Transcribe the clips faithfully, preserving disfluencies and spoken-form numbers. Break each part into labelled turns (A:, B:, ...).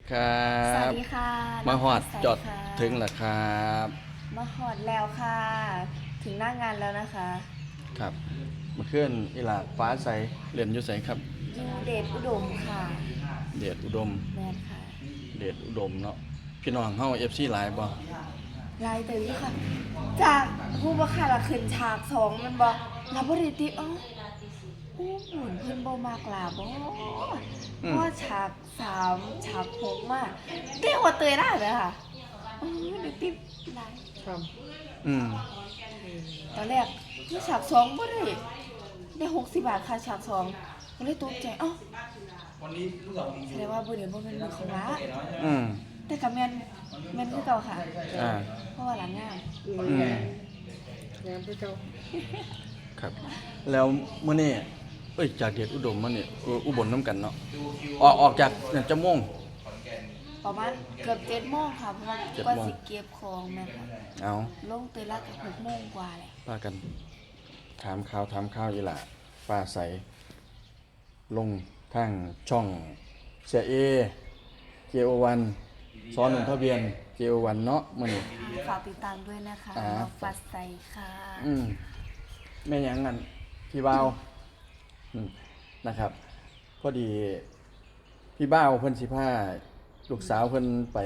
A: ครับ
B: สวัสดีค่ะ
A: มาหอดจอด
B: ค่ะ
A: ถึงแล้วครับ
B: มาหอดแล้วค่ะ ถึงหน้างานแล้วนะคะ
A: ครับมาเคลื่อนอีหลาฟ้าใสเรียนอยู่ไสครับ
B: ยูเดชอุดมค่ะ
A: เดชอุดม
B: แมนค่ะ
A: เดชอุดมเนาะพี่น้องเฮา เอฟ ซี หลายบ่
B: ลายเตยค่ะ จากผู้ประคาละขึ้นฉากสองมันบอกลาบริติอ๋อผู้หมุนเพิ่นบ่มากลาบ่เพราะว่าฉากสามฉากหกมากเตี้ยกว่าเตยได้เลยค่ะอือเดี๋ยวติดลาย
A: อืม
B: ตอนแรกที่ฉากสองบ่ได้ได้หกสิบบาทค่ะฉากสองก็เลยตกใจอ๋อแสดงว่าบ่เดี๋ยวบ่เป็นมือของละ
A: อืม
B: แต่กับแม่นแม่นคือเก่าค่ะ
A: อ่า
B: เพราะว่าหลังงาน
A: อืม
C: งานไปเจ้า
A: ครับ แล้วมื้อนี้เอ้ยจากเดชอุดมมาเนี่ยอุอุบลนํกันเนาะออกออกจากเนี่ยจะม่วง
B: ประมาณเกือบเจ็ดโมงค่ะเพราะว่า
A: เจ็ด
B: ก็
A: โมง
B: สิเก็บของแม่นค่ะ
A: เอา
B: ลงเตยละก็หกโมงกว่าแหละ
A: พากัน ถามข่าวถามข่าวอีหล่าฟ้าใส ลงทางช่องเสียเอ เจ โอ วัน ซ้อนหนุ่มทะเบียน เจ โอ วัน เนาะมื้อนี้
B: ฝากติดตามด้วยนะคะ
A: อ่า
B: น้องฟัดใสค่ะ
A: อืมแม่หยังงั้นพี่บ่าวอืมนะครับ พอดี พี่บ่าวเพิ่นสิพาลูกสาวเพิ่นไป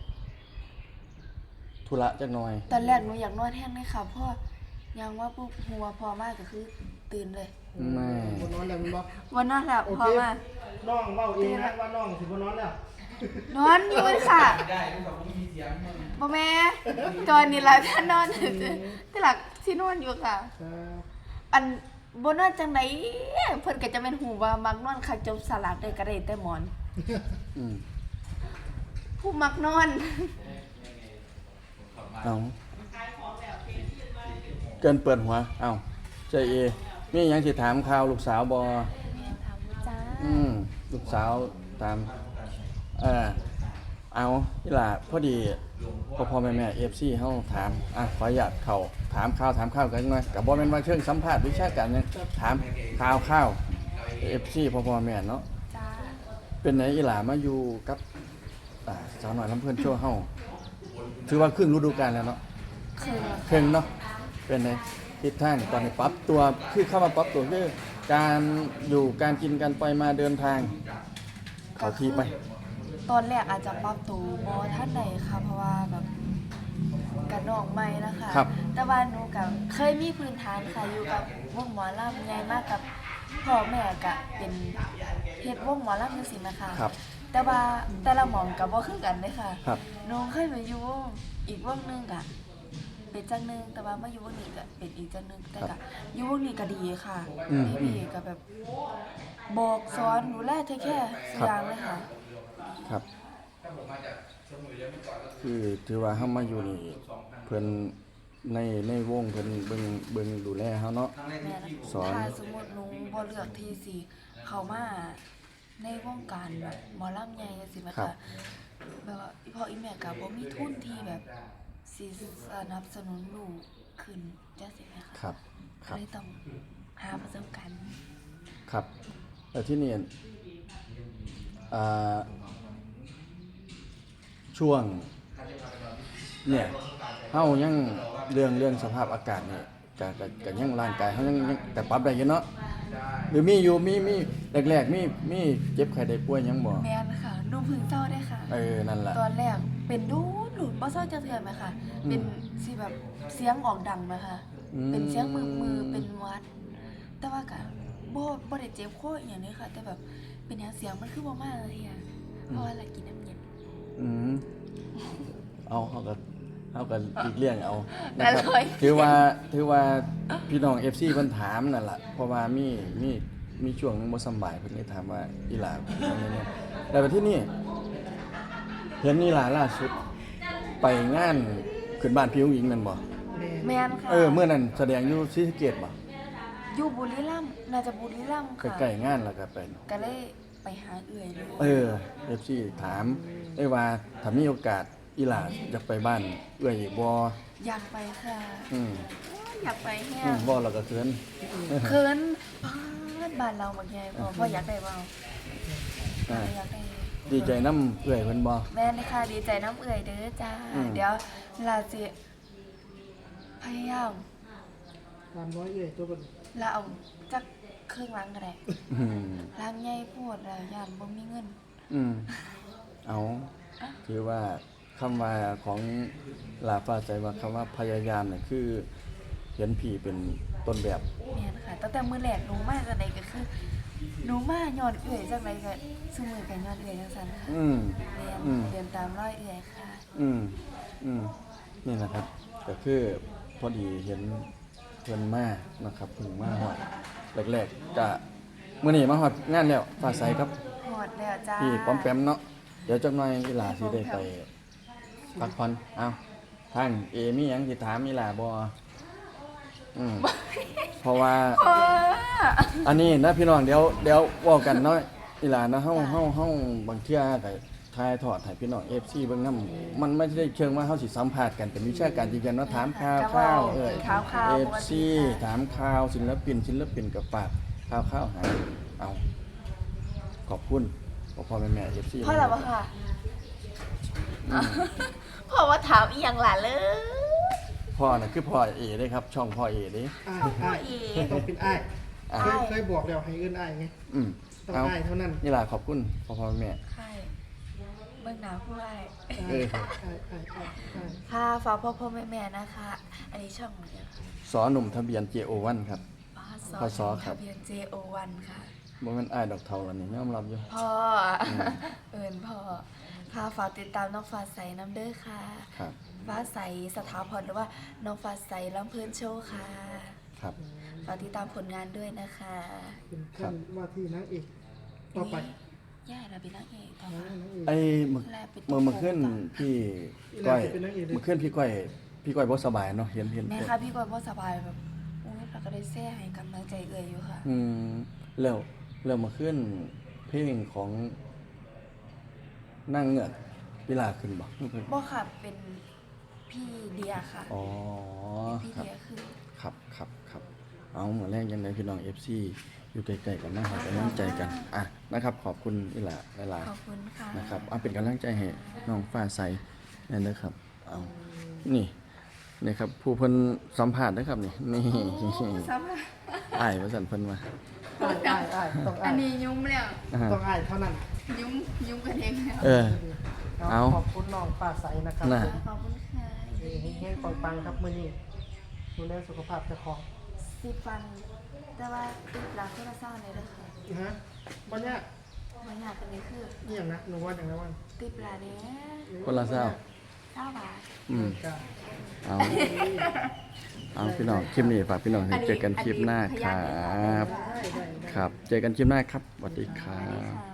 A: ธุระจักหน่อย
B: ตอนแรกหนูอยากนอนแห้งเลยค่ะเพราะยังว่าปุ๊บหัวพอมากก็คือตื่นเลย
A: ไม่
C: บนนอนแล้วมันบอก
B: วันนั้นแหละ
C: โอ
B: พอ
C: เค
B: มา
C: น้องเว้าเองนะว่าน้องสิบนนอนแล้ว
B: นอนอยู่ค่ะบ่แม่ตอนนี้หลักท่านนอนที่หลักที่นอนอยู่ค่ะ
C: ครับ
B: อันบ่นอนจังไดเพิ่นก็จะเป็นหูว่ามักนอนคักจบสลัดได้ก็ได้แต่หมอน
A: อืม
B: ผู้มักนอน
A: เอาเกินเปิดหัว เอาใจเอมีหยังสิถามข่าวลูกสาวบ่
B: แม่ถามจ้า
A: อืมลูกสาวตามเออเอาอีหล่าพอดีพ่อพ่อแม่แม่ เอฟ ซี เฮาถามอ่ะขออนุญาตเข้าถามข่าวถามข่าวกันหน่อยก็บ่แม่นว่าเชิงสัมภาษณ์วิชาการหยังถามข่าวข่าว เอฟ ซี พ่อพ่อแม่เนาะ
B: จ้า
A: เป็นไหนอีหล่ามาอยู่กับอ่าสาวน้อยลำเพิ่นโชว์เฮาถือว่าครึ่งฤดูกาลแล้วเนาะ
B: คือ
A: ครึ่งเนาะเป็นไงทิศทางตอนนี้ปรับตัวคือเข้ามาปรับตัวคือการอยู่การกินการไปมาเดินทางเข้าที่ไป
B: ตอนแรกอาจจะปรับตัวบ่ทันใดค่ะ เพราะว่าแบบกันน้องใหม่นะคะ
A: ครับ
B: แต่ว่าหนูก็เคยมีพื้นฐานค่ะอยู่กับวงหมอลำใหญ่มากกับพ่อแม่ก็เป็นเฮ็ดวงหมอลำจังซี่นะคะ
A: ครับ
B: แต่ว่าแต่ละหม่องก็บ่คือกันเด้ค่ะ
A: ครับ
B: หนูเคยไปอยู่วงอีกวงหนึงก็เป็นจังหนึงแต่ว่ามาอยู่วงนี้ก็เป็นอีกจังหนึงแต่ก็อยู่วงนี้ก็ดีค่ะ
A: อืม
B: พี่ๆก็แบบบอกสอนดูแลเทคแคร์ทุกอย่างเลยค่ะ
A: ครับ คือถือว่าเฮามาอยู่นี่เพิ่นในในวงเพิ่นเบิ่งเบิ่งดูแลเฮาเนาะ
B: แม่นะ
A: สอน
B: ถ้าสมมติหนูบ่เลือกที่สิเข้ามาในวงการแบบหมอลำใหญ่จังซี่แม่
A: ครั
B: ค่ะ
A: บ
B: แบบว่าอีพ่ออีแม่ก็บ่มีทุนที่แบบสิสนับสนุนลูกขึ้นจังซี่แม่ค่ะ
A: ครับ ค
B: ก็
A: รับ
B: เลยต้องหาประสบการณ์
A: ครับแล้วที่นี่อ่าช่วงเนี่ยเฮายังเรื่องเรื่องสภาพอากาศนี่ก็ก็ก็ยังร่างกายเฮายังยังแต่ปรับได้อยู่เนาะหรือมีอยู่มีมีแรกๆมีมีเจ็บไข้ได้ป่วยหยังบ่
B: แม่นค่ะหนูเพิ่งเศร้าได้ค่ะ
A: เออนั่นล่ะ
B: ตอนแรกเป็นดูดหลุดบ่เศร้าจักเทื่อไหมค่ะ เป็นสิแบบเสียงออกดังไหมค่ะ
A: อืม
B: เป็นเสียงมือมือเป็นหวัด แต่ว่าก็บ่บ่ได้เจ็บคออีหยังนี้ค่ะ แต่แบบเป็นหยังเสียงมันคือบ่มาเลยอ่ะเพราะว่าเรากินน้ำเย็น
A: อืมเอาเขาก็เขาก็อีกเรื่องเอานะครับ
B: อร่อย
A: ถือว่าถือว่าพี่น้อง เอฟ ซี เพิ่นถามนั่นล่ะเพราะว่ามีมีมีช่วงหนึงบ่สำบายเพิ่นเลยถามว่าอีหลาเป็นจังได๋เนี่ยแล้วที่นี่เห็นอีหลาล่าสุดไปงานขึ้นบ้านพี่อุ้งอิงนั่นบ่
C: แม่
B: แม่นค่ะ
A: เออเมื่อนั้นแสดงอยู่ศรีสะเกษบ่
B: อยู่บุรีรัมย์น่าจะบุรีรัมย์ค่ะ
A: ใกล้ๆงานแล้วก็ไป
B: ก็เลยไปหาเอื่อยเลย
A: เออ เอฟ ซี ถามได้ว่าถ้ามีโอกาสอีหลาอยากไปบ้านเอื้อยอีกบ่
B: อยากไปค่ะ
A: อืม
B: อยากไปแฮ
A: อื
B: ง
A: มบ่แล้วก็เขิน
B: เคินบ้านเราบักใหญ่พอพ่ออยากได้บ่
A: อ่า
B: อยากได้
A: ดีใจน้ำเอื่อยเพิ่นบ่
B: แม่นค่ะดีใจน้ำเอื่อยเด้อจ้า
A: อืม
B: เดี๋ยวลาสิพยายาม
C: ตามร้อยเอ้ยตัวเป็น
B: ลาเอาจักเครื่องล้างก็ได้
A: อืม
B: ล้างใหญ่โพดแล้วย่านบ่มีเงิน
A: อืมเอาถือว่าคำว่าของลาฟ้าใจว่าคำว่าพยายามเนี่ยคือเห็นผีเป็นต้นแบบ
B: แม่นค่ะตั้งแต่มื้อแรกหนูมาจังไดก็คือหนูมาย้อนเอื่อยจังไดก็ซุมื้อก็ย้อนเอื่อยจังซั่นค่ะ
A: อืม
B: เรียน
A: อืม
B: เรียนตามรอยเอื่อยค่ะ
A: อืมอืมนี่นะครับก็คือพอดีเห็นเพิ่นมานะครับเพิ่งมาฮอดแรกๆก็มื้อนี้มาฮอดงานแล้วฟ้าใสครับ
B: หอดแล้วจ้า
A: พี่ป้อมแปมเนาะเดี๋ยวจักหน่อยอีหลาสิได้ไปพักผ่อนเอ้าท่านเอมีหยังสิถามอีหลาบ่อืมเพราะว่า
B: โอ้
A: อันนี้นะพี่น้องเดี๋ยวเดี๋ยวเว้ากันเนาะอีหลานะเฮาเฮาเฮาบางเทื่อก็ทายทอดให้พี่น้อง เอฟ ซี เบิ่งนำมันไม่ได้เชิงว่าเฮาสิสัมภาษณ์กันเป็นวิชาการจริงๆเนาะถามข่าวข่าวเอ้ย
B: ข่าวข่าว
A: เอ
B: ป
A: ฟ
B: ก
A: ซี
B: ติค่ะ
A: ถามข่าวศิลปินศิลปินกับปากข่าวข่าวหาเอาขอบคุณพ่อพ่อแม่แม่ เอฟ ซี
B: พ่อแล้วบ่ค่ะพ่อว่าถามอีหยังล่ะเลย
A: พ่อน่ะคือพ่อเอเด้ครับ ช่องพ่อเอเด้
C: อ้าย
B: พ่อ
C: อ้าย
B: อี
C: ต้องเป็นอ้าย
A: อ่ะ
C: เคยเคยบอกแล้วให้เอื้นอ้ายไง
A: อืม
C: ต้อง
A: เอา
C: อ้ายเท่านั้น
A: นี่ล่ะขอบคุณพ่อพ่อแม่แม่
B: ใช่เบิ่งหน้าผู้อ้าย
A: เออ
C: อ้ายอ้ายอ้ายอ้ายอ้าย
B: ค่ะฝากพ่อพ่อแม่แม่นะคะ อันนี้ช่องของเดียวค่ะ
A: สอหนุ่มทะเบียน เจ โอ วัน ครับ
B: พศ
A: พศครับ
B: ทะเบียน เจ โอ วัน ค่ะ
A: บ่แม่นอ้ายดอกเทาแล้วนี่ยอมรับอยู่
B: พ่ออเอิญพ่อค่ะฝากติดตามน้องฟ้าใสน้ำเด้อค่ะ
A: ครับ
B: ฟ้าใสสถาพรหรือว่าน้องฟ้าใสลำเพลินโชว์ค่ะ
A: ครับ
B: ฝากติดตามผลงานด้วยนะคะ
C: เป็นท่านว่าที่นางเอกต่อไป
B: ย่าเราเป็นนางเอกต่อ
C: นะ
B: มาน
C: างเอก
A: ไอ้เมื่อ
B: แลเป็น
A: เมื่อเมื่อขึ้นพี่ก้อย
C: อีหลาจะเป็นนางเอกด้วย
A: เมื่อขึ้นพี่ก้อยพี่ก้อยบ่สบายเนาะเห็นเห็น
B: แม่ค่ะพี่กอยพ่สบายแบบโอ้ยเราก็ได้แซ่ให้กำลังใจเอ่ยอยู่ค่ะ
A: อืมแล้วแล้วเมื่อขึ้นเพลงของนั่งเงือกเวลาขึ้นบ่เพิ่น
B: บ่ค่ะเป็นพี่เดียค่ะ
A: อ๋อ
B: พี่
A: ครับ
B: เดียคือ
A: ครับครับครับเอาเหมือนแรกยังไงพี่น้อง เอฟ ซี อยู่ใกล้ๆกันมาให้กำลังใจกันอ่ะนะครับ ขอบคุณอีหลาหลาย
B: ขอบคุณค่ะ
A: ๆนะครับเอาเป็นกำลังใจให้น้องฟ้าใสนั่นนะครับเอานี่นี่ครับผู้เพิ่นสัมภาษณ์นะครับนี่นี่
B: สำหรับ
A: อ้ายว่าซั่นเพิ่นว่า
C: อ้ายอ้ายอ้ายต้อง
B: อั
C: อ้าน ย
B: นี้ยุ่มแล้ว
A: อ่า
C: ต้องอ้ายเท่านั้น
B: ยุ่มยุ่มกันเองแล้ว
A: เออ เอา
C: ขอบคุณน้องฟ้าใสนะครับ
A: น่ะ
B: ขอบคุณค่ะ
C: เฮงๆปังๆครับมื้อนี้ดูแลสุขภาพเจ้าของ
B: สิฟัง แต่ว่าติดหลังโทรศัพท์เลยเด้อค่ะ
C: ฮะบ่เนี่ยาก
B: บางอย่างเป็นนี้คือ
C: เอี่ยงนะหนูว่าอย่างไรวัน
B: ติดหลาเนี้ย
A: คนละเศร้า
B: เก้าบาท
A: อืม
C: จ้า
A: เอาเอาพี่น้องคลิปนี้ฝากพี่น้องให้เจอกันคลิปหน้าครับ
C: ได้ได้ได้
A: ครับ เจอกันคลิปหน้าครับสวัสดีครั
B: อันนี้
A: บ
B: ค่ะ